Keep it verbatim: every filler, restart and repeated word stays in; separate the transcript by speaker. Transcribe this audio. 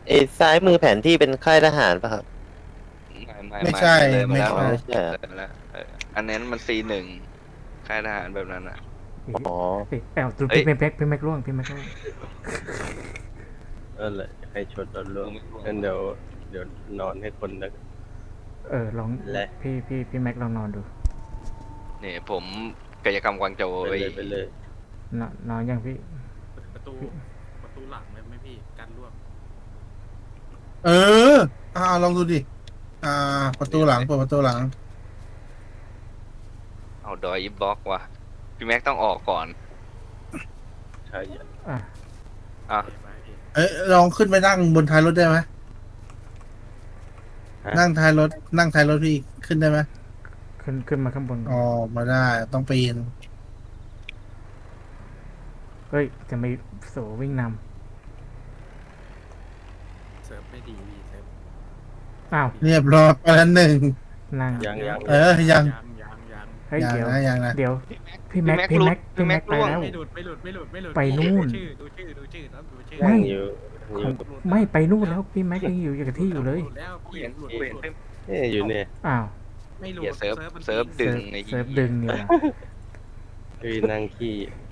Speaker 1: เอยซ้ายมือแผนที่เป็นค่ายทหารป่ะครับ
Speaker 2: ไม่ไม่
Speaker 3: ไม่
Speaker 2: ไม่
Speaker 3: ใช่
Speaker 2: เลยมา
Speaker 3: ไม่
Speaker 2: แล้ว
Speaker 1: อ๋อ
Speaker 3: ใช่
Speaker 1: ไม่ใช่อะ
Speaker 2: เลยมาแล้วเอออันนั้นมันซีหนึ่งค่ายทหารแบบนั้นอ่ะ
Speaker 1: อ๋อ
Speaker 4: เอ้ยแอลตู
Speaker 2: เอ้ย
Speaker 4: พี่แม็กพี่แม็กล่วงพี่แม็กล่วง
Speaker 5: นั่นแหละใครชนโดนล่วง
Speaker 2: กูไม่รู้
Speaker 5: งั้นเดี๋ยวเดี๋ยวนอนให้คนแล้วกัน
Speaker 4: เออลอง
Speaker 5: และ
Speaker 4: พี่พี่พี่แม็กลองนอนดู
Speaker 2: เนี่ยผมกายกรรมกวางโจว
Speaker 5: ไป
Speaker 2: ไอ้
Speaker 5: เลยไปเลย
Speaker 4: นอนนอนยังพี่
Speaker 6: ประตูประตูหลังไหมไม่พี่กันร่วม
Speaker 3: เอออ่าลองดูดิอ่า ประตูหลังเปิดประตูหลัง
Speaker 2: เอาดอยอิฟบล็อกว่ะพี่แม็กต้องออกก่อน
Speaker 5: ใช่
Speaker 4: อ่ะ
Speaker 2: อ่ะ
Speaker 6: ไปพี่
Speaker 3: เอ้ยลองขึ้นไปนั่งบนท้ายรถได้ไหมนั่งท้ายรถนั่งท้ายรถพี่ขึ้นได้ไหม
Speaker 4: ขึ้นขึ้นมาข้างบนก่อน
Speaker 3: อ๋อมาได้ต้องปีน
Speaker 4: เฮ้ยจะไม่โสวิ่งน
Speaker 6: เซิร์ฟไม่ดีพี่เซิร์ฟ
Speaker 4: ำอ้าว
Speaker 3: เรียบร้อยไปแล้วหนึ่ง
Speaker 4: นั่ง
Speaker 5: ยังยัง
Speaker 3: เออยัง
Speaker 6: ยังยังยัง
Speaker 4: เฮ้ย
Speaker 3: ยัง
Speaker 4: เดี๋ยว
Speaker 3: นะยังนะ
Speaker 4: เดี๋ยวพี่แม็กพี่แม็กพี่แม็กไปแล้ว
Speaker 6: ไม่หลุดไม่หลุดไม่หลุดไม่หลุด
Speaker 4: ไปนู่น
Speaker 6: ดูชื่อดูชื่อดูชื่อแล้วดูชื่อ
Speaker 4: ไม่
Speaker 5: ยังอยู่ยัง
Speaker 4: ข
Speaker 5: อ
Speaker 4: อยู่ งไม่ไปนู่นแล้วพี่แม็กยังอยู่กับที่อยู่เลย
Speaker 6: หลุดแล้วพี่หลุด
Speaker 2: กู
Speaker 6: หลุ
Speaker 2: เห็น
Speaker 6: ด
Speaker 2: เพิ่ม
Speaker 5: เนี่ยอยู่เนี่ย
Speaker 4: อ้าว
Speaker 6: ไม่หลุด
Speaker 2: เหี้ยเซิร์ฟ
Speaker 6: มัน
Speaker 2: เซิร์ฟ ดึ
Speaker 4: เซิ
Speaker 2: ง
Speaker 4: ร์ฟ
Speaker 2: ไอ้
Speaker 4: เซิร์ฟ
Speaker 2: เหี้ย
Speaker 4: ดึงอยู่นะ
Speaker 5: พี่นั่งขี้